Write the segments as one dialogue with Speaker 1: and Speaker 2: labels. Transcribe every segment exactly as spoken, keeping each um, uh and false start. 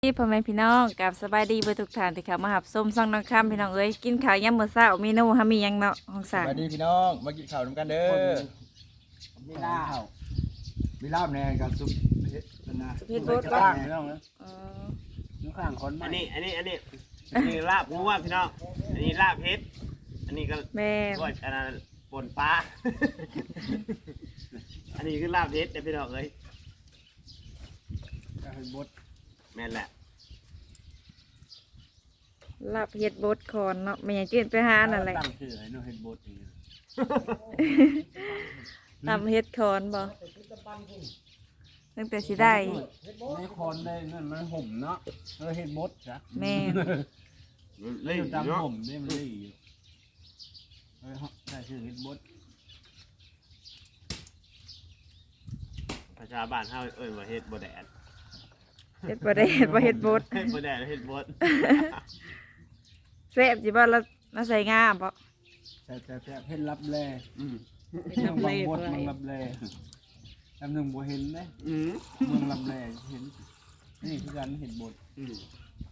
Speaker 1: พี่พ่อแม่พี่น้องกับสบายดีเบอร์ทุกท่านที่เข้ามาหับส้มซ่องน้องคำพี่น้องเอ้ยกินข้าวยามมื้อเช้าเมนูฮามีหยังเนาะห้อง
Speaker 2: ส
Speaker 1: สาม
Speaker 2: วัสดีพี่น้องมากินข้าวน้ำกันเด้อ
Speaker 3: มีลาบ
Speaker 2: มีลาบแหน่กับซุปเผ็ดนะ
Speaker 1: เพชรโบด
Speaker 3: ก็
Speaker 1: ก็
Speaker 3: พี่น้องนะ
Speaker 1: อ๋อ
Speaker 3: น้องข้างคน
Speaker 4: อันนี้อันนี้อันนี้อันนี้ลาบงัวพี่น้องอันนี้ลาบเฮ็ดอันนี้ก็
Speaker 1: แม่
Speaker 4: ก้อยอันนั้นป่นปลา อันนี้คือลาบเฮ็ดเด้อพี่น้องเอ้ย
Speaker 3: ก็ให้บด
Speaker 4: แม่นแหละ
Speaker 1: ลาบเฮ็ดโบดคอนเนาะแม่ยังจืดไปหานั่นแหละ
Speaker 3: ตั้งชื่อให้น้องเฮ็ดบดเอง
Speaker 1: ลาบเฮ็ดคอนบ่ตั้งแต่สิได้
Speaker 3: ในคอนได้นั่นมันห่มเนาะเออเฮ็ดบดจ้ะ
Speaker 1: แม่
Speaker 4: เล่น
Speaker 3: ดำ
Speaker 4: เนาะ
Speaker 3: ห่มได้มันได้อยู่เออได้ชื่อเฮ็ดบด
Speaker 4: ภาษาบ้านเฮาเอ้ยว่าเฮ็ดบ่แดด
Speaker 1: เฮ็ดบ่ได้เฮ็ดบ่เฮ็ดโบด
Speaker 4: เฮ็ดบ่แดดเฮ็ดบด
Speaker 1: แซ่บสิบ่แล้วแล้วใส่งาบ่
Speaker 3: แซ่บแซ่บแซ่บเฮ็ดรับแล
Speaker 4: อืม
Speaker 1: เฮ็ด
Speaker 3: เมื
Speaker 1: รั
Speaker 3: อบ ง
Speaker 1: แล
Speaker 3: บดเมืองรับแลลำหนึ่งบ่เห็นนะ
Speaker 4: อืม
Speaker 3: เมืองรับแลเห็นนี่คือการเฮ็ดบด
Speaker 4: อืม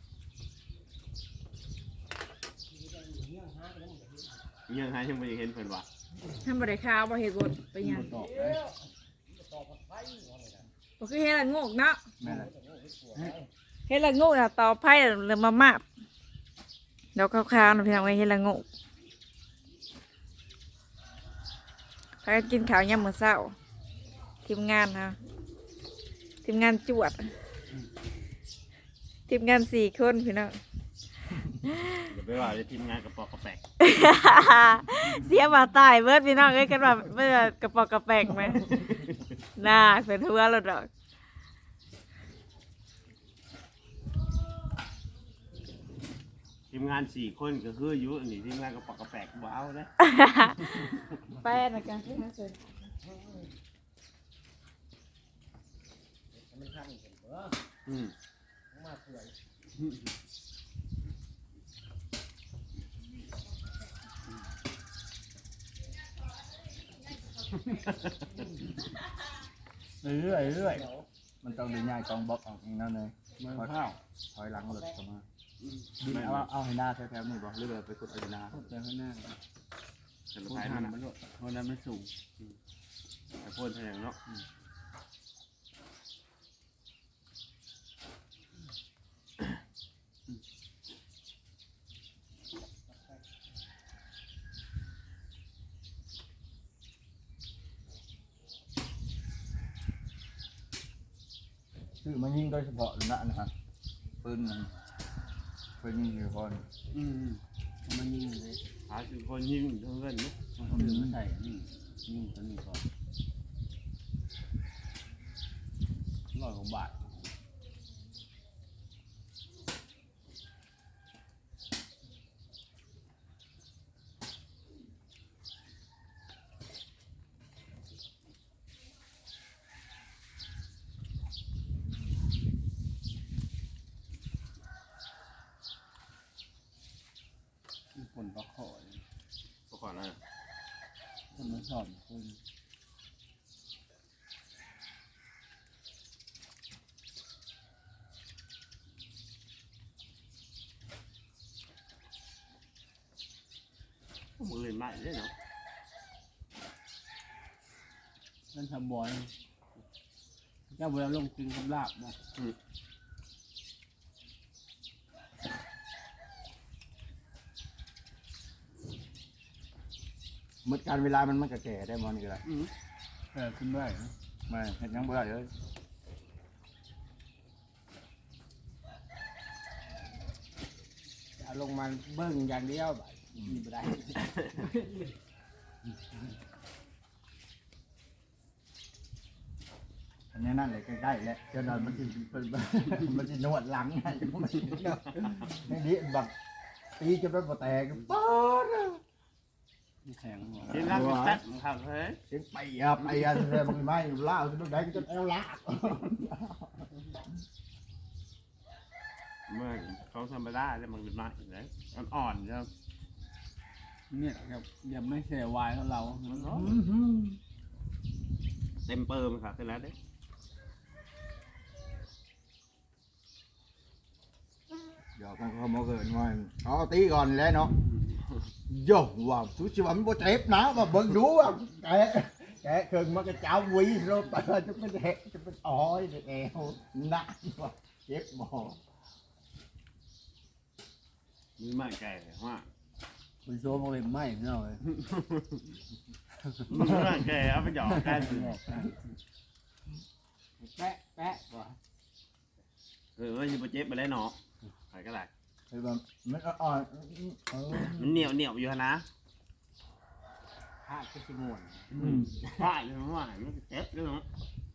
Speaker 4: ยังหายังบ่ได้เห็นเพิ่นว่า
Speaker 1: ทำบ่ได้ข้าวบ่เฮ็ดโบดไปหยัง
Speaker 3: บดตอกเลย
Speaker 1: บ่คือเฮ็ดละโงกเนาะ
Speaker 3: แม่นล่ะ
Speaker 1: เฮ็ดละโงกน่ะต่อไผ่เริ่มมามาบเดี๋ยวคร่าวๆนะพี่น้องเอ้ยเฮ็ดละโงกพากันกินข้าวยามมื้อเช้าทีมงานฮะทีมงานจวด ทีมงานสี่คนพี่น้อง
Speaker 4: อย่าไปว่าจะทีมงานกระปอกกระแปก
Speaker 1: เสียบ่าตายเบิดพี่น้องเอ้ยกันแบบเบิดกระปอกกระแปกไหม น่าเป็นทั่วแล้วดอก
Speaker 4: ทีมงานสี่คนก็คืออยู่อันนี้ทีมงานกระปอกกระแปกบ่เอาเด้อ
Speaker 1: แป้นกันที่นั่นเลย
Speaker 4: อืม
Speaker 3: เรื่อยๆเรื่อย
Speaker 2: มันต้องได้ง่ายกองบล็อกออกเองนั่นเลย
Speaker 3: ๆมันข้าว
Speaker 2: ถอยหลังหลุดเข้ามาดินเอาเอาให้หน้าแถวๆนี่บ่หรือว่าไปกดเอาให้หน้า
Speaker 3: พูดไปข้างหน้า
Speaker 4: แต่
Speaker 3: พู
Speaker 4: ละ
Speaker 3: ด
Speaker 4: ท้าย
Speaker 3: หั
Speaker 4: มัน น
Speaker 3: มันโลดเพราะนั้นมันสูง
Speaker 4: แต่พูดเท่านั้นเนาะ
Speaker 2: คือมันยิงโดยเฉพาะนะนะฮะปืนมันปืนยิงอยู่ก่อน
Speaker 3: อืมมันยิงเลย
Speaker 4: หาคือคนยิงทั้งเงินเนาะ
Speaker 3: มันเอาดึงมาใส่นี่ยิงตัวนี้ก่อนร้อยกว่าบาท ผลประขอเลย
Speaker 4: ก็ก่อนนะ
Speaker 3: คนมาสอนคน
Speaker 4: มือเล่นไม้ได้เนาะ
Speaker 3: นั่นทำบอลเจ้าเวลาลงกินกับลาบนะ
Speaker 2: เมื่อการเวลามันมันก็แก่ได้มอนี่ก็ได้
Speaker 4: อืม
Speaker 3: เออขึ้นได้นะ
Speaker 2: ไม่เห็นยังบ่ได้เลย
Speaker 3: เอาลงมาเบิ้งอย่างเดียวแบบมีไม่ได้
Speaker 2: อันนี้นั่นเลยใกล้ๆแล้วเจ้าดอนมันสิเป็นมันสินวดหลังไงมันสิไม่ดีแบบตีจนมันบ่แตกป๊อด
Speaker 3: แข็งหัว
Speaker 4: ทีมงานก็จัดครับเฮ้ย
Speaker 2: เสียงไปอ่ะไปอ่ะเลยมันไม่ล่าจนได้จนเอวลาก
Speaker 4: เมื่อเขาธรรมดาแล้วมันเป็นไม้เลยอ่อนๆครับ
Speaker 3: เนี่ยครับยังไม่เสียวายของเรา
Speaker 4: มันร้อนเต็มเปิมครับเสร็จแล้วเด้
Speaker 2: เดี๋ยวกันเขามาเกิดว่าเอาตีก่อนแล้วเนาะโย่ว่าทุกชีวิตมันบ่เจ็บนะมาเบิ่งดูว่าแกแกเกิดมันก็เจ้าวีโลไปจะเป็นแหจะเป็นอ้อยแอวหนักว่าเจ็บบ่
Speaker 4: มีไม้แก่ว่า
Speaker 3: มันโซ่มาเป็นไม้เนาะ
Speaker 4: มีไม้แก่เอาไปหยอกกัน
Speaker 3: แปะแปะว่ะ
Speaker 4: เออว่าจะไปเจ็บไปแล้วเนาะใครก็ได้
Speaker 2: คือแบบมันอ่อนเออ
Speaker 4: มันเหนียวเหนียวอยู่นะ
Speaker 3: ผ้าก็สิม่วน
Speaker 4: ว่าอยู่ว่ามันเจ็บด้วยเนาะ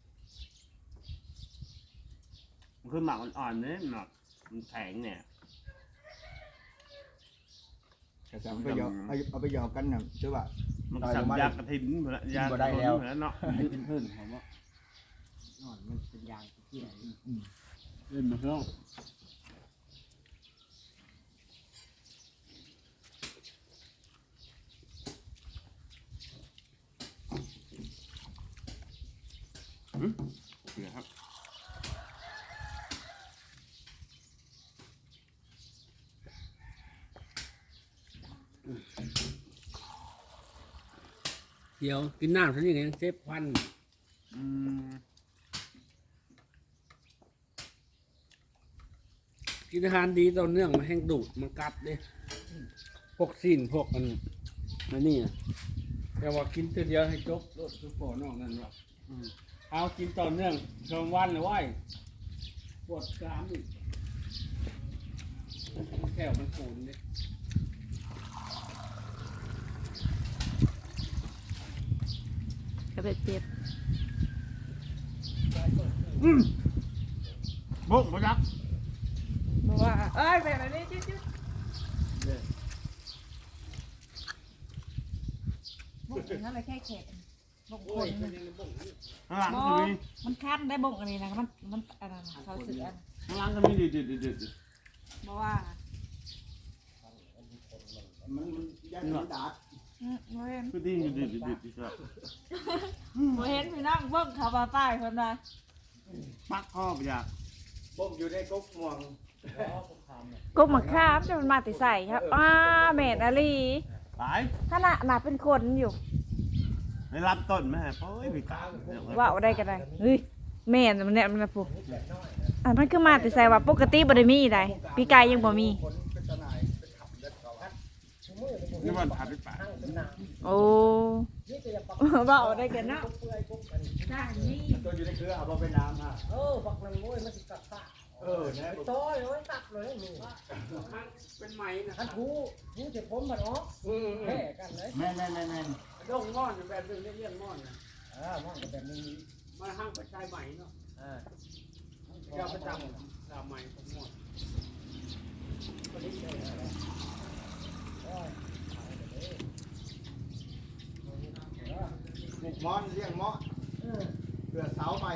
Speaker 4: มันคือหมักอ่อนๆเนี่ยหมักมันแข็งเนี่ย
Speaker 2: แต่สามไปหยอกเอาเอาไปหยอกกันน่ะใช่ป่ะ
Speaker 4: มันสับยากระถิ่นเหมือนยากระถิ่นเหมือนเนาะ
Speaker 3: เป็นเพิ่นผมว่า
Speaker 5: นอนมันเป็นยางที่ไหน
Speaker 3: เล่นมาเนาะ
Speaker 4: เดี๋ยวครับ
Speaker 3: เดี๋ยวกินน้ำซะนี่ไงเซฟควัน
Speaker 4: อืม
Speaker 3: กินอาหารดีต่อเนื่องมาแห้งดูดมันกัดเลยพวกสิ้นพวกอันอันนี้อะแต่ว่ากินตัวเดียวให้จบรสทุกปอนอกนั่นหรอกเอากินต่อเนื่องสองวันเลยว่ายปวดกรามอีกแก้วมันปูนเลย
Speaker 1: ก็เลยเจ็บ
Speaker 4: บุ้งบุ้งยักษ์
Speaker 1: บอกว่าเอ้ยแบบนี้จิ๊ด
Speaker 5: บุกนั่นเลยแค่แขกบุกค
Speaker 3: โอ้ย
Speaker 5: น
Speaker 3: มันยังในบ่งนี่
Speaker 4: ข้างหลัง
Speaker 5: บ
Speaker 4: ก็
Speaker 5: อ
Speaker 4: มี
Speaker 5: มันคัดได้บุกอันนี้นะมันมันอะไรนะเขาสื่ออัน
Speaker 4: ข้างหลังก็มีดิดดิดดิดดิด
Speaker 5: บอกว่า
Speaker 2: มันมันยันมันดาด
Speaker 5: อืมโมเห็น
Speaker 4: คือดิดดิดดิดดิดดิด
Speaker 5: โมเห็นพี่น้องเบิ้งเขาบาใต้คนใด
Speaker 4: ปักข้อไปอยาก
Speaker 2: บ่มอยู่ในก๊กม่วง
Speaker 1: กบมะขามจะมันมาติใส่ครับอ้าแม่นอลี
Speaker 4: หลาย
Speaker 1: ขนาดหนาเป็นคนอยู่
Speaker 4: ได้รับต้นไหมฮะเพราะไอ้พี่กา
Speaker 1: ว่าเอาได้ก็ได้เฮ้ยแม่นมันเนี่ยมันนะปุ๊อันมันคือมาติใส่ว่าปกติบ่ได้มีได้พี่กายยังบ่มี
Speaker 4: นี่มันผ่านไปป่า
Speaker 1: โอ้ว่าเอาได้กันเนาะ
Speaker 5: ได้นี่
Speaker 2: ตัวอยู่ในเครือเอามาเป็นน้ำฮะ
Speaker 5: เออบักมันโว้ยมันสิกัดตา
Speaker 2: เออนะ
Speaker 5: โต้ยโอ้ยตักเลยนี่
Speaker 3: เป็นไหมนะค
Speaker 5: ท่า
Speaker 3: รับ
Speaker 5: นผู้ผู้จะพ้นมันออกแพ้กันเลย
Speaker 2: แม่นแม่นแม่นแม่น
Speaker 3: ดงม่อนแบบนึงเรียกม่อนนะ
Speaker 5: อ่ามองแบบนี้
Speaker 3: มาห้างประชายใหม่เนาะ
Speaker 5: อ่า
Speaker 3: เจ้าประจำตามใหม่ของม่อน
Speaker 2: ปลูกม้อนเลี้ยงม้อนเพื่อเสาใหม่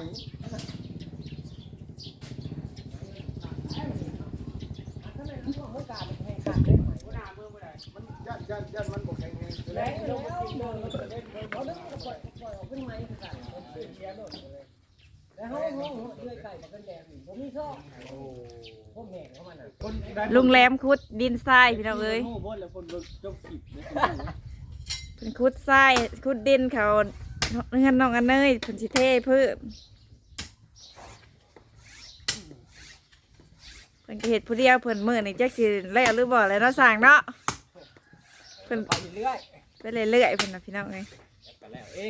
Speaker 5: ถ้าในนั้นพวกเมื่อการมันแพ้กันได้ไหม
Speaker 3: หัวหน้าเมื่อเมื่อไหร่มัน
Speaker 2: ยันยันยันมันบ่แข็งแรง
Speaker 5: แล้วแล้วเดินมันเดินเขาเดินก็ปล่อยปล่อยออกขึ้นไม้กันมันเปลี่ยนเสียโดดเลยแล้วเขาห้องเลื่อยไก่กับกันแดงนี่ผมมีชอบพวกแห่เขามันอ่ะ
Speaker 3: คนได้
Speaker 1: ลุงแรมคุดดินทรายพี่น้องเอ้ย
Speaker 3: โม่บดแล้วคนเบิกจบขีดเลย
Speaker 1: เป็นคุดทรายคุดดินเขาเงินน้องอันเนยเพิ่นสิเทเพิ่มเพิ่นก็เฮ็ดผู้เดียวเพิ่นมื้อนี่จักสิแล้วหรือบ่แล้วเนาะสร้างเนาะเพิ่น
Speaker 5: ไปเรื่อย
Speaker 1: ไปเรื่อยๆเพิ่นน่ะพี่น้องเอ้ย
Speaker 5: ไปแล้วเอง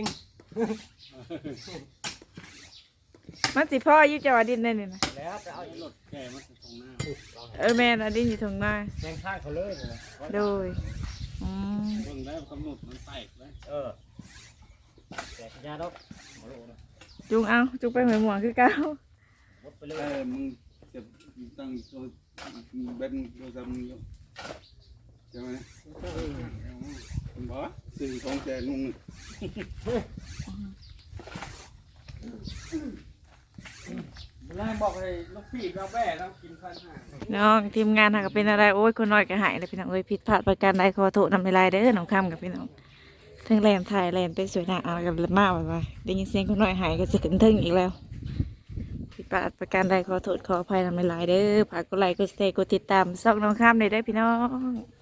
Speaker 1: มันสิพ่ออยู่จังหวัดดินได้นี่นะ
Speaker 5: แล้วจะเอา
Speaker 3: รถแกมันตรงหน้า
Speaker 1: เออแม่นอะดินอยู่ตรงหน้า
Speaker 5: แทงข้างเขาเลยนะ
Speaker 1: โดยอืม
Speaker 3: เบิ่งได้กำหนดมันแตกเลย
Speaker 5: เออแต่ยาดอก
Speaker 1: จุงเอาจุงไปเหมือนหมวกคือเก่า
Speaker 5: หมดไปเล
Speaker 6: เอย อมึงจะตั้งตัวเบ็ดตัวจำมึงอยู่ใช่ไหมผมบอกว่าสี่ของแจกนุ่ง
Speaker 3: แล้วบอกเลยลูกพี่เราแบ่เรากินพันห้า
Speaker 1: น้องทีมงานหากเป็นอะไรโอ้ยคนน้อยก็หายเลยพี่น้องเอ้ยผิดพลาดประการใดขอโทษนำในลายเด้อน้องคำกับพี่น้องทั้งแลนถ่ายแลนเป็นสวยหน้าเอากับมาแบบว่าได้ยินเสียงคนน้อยหายก็จะขึ้นทึ่งอีกแล้วผิดพลาดประการใดขอโทษขออภัยนำหลายๆเด้อฝากกดไลค์กดแชร์กดติดตามช่องน้องข้ามเลยได้อพี่น้อง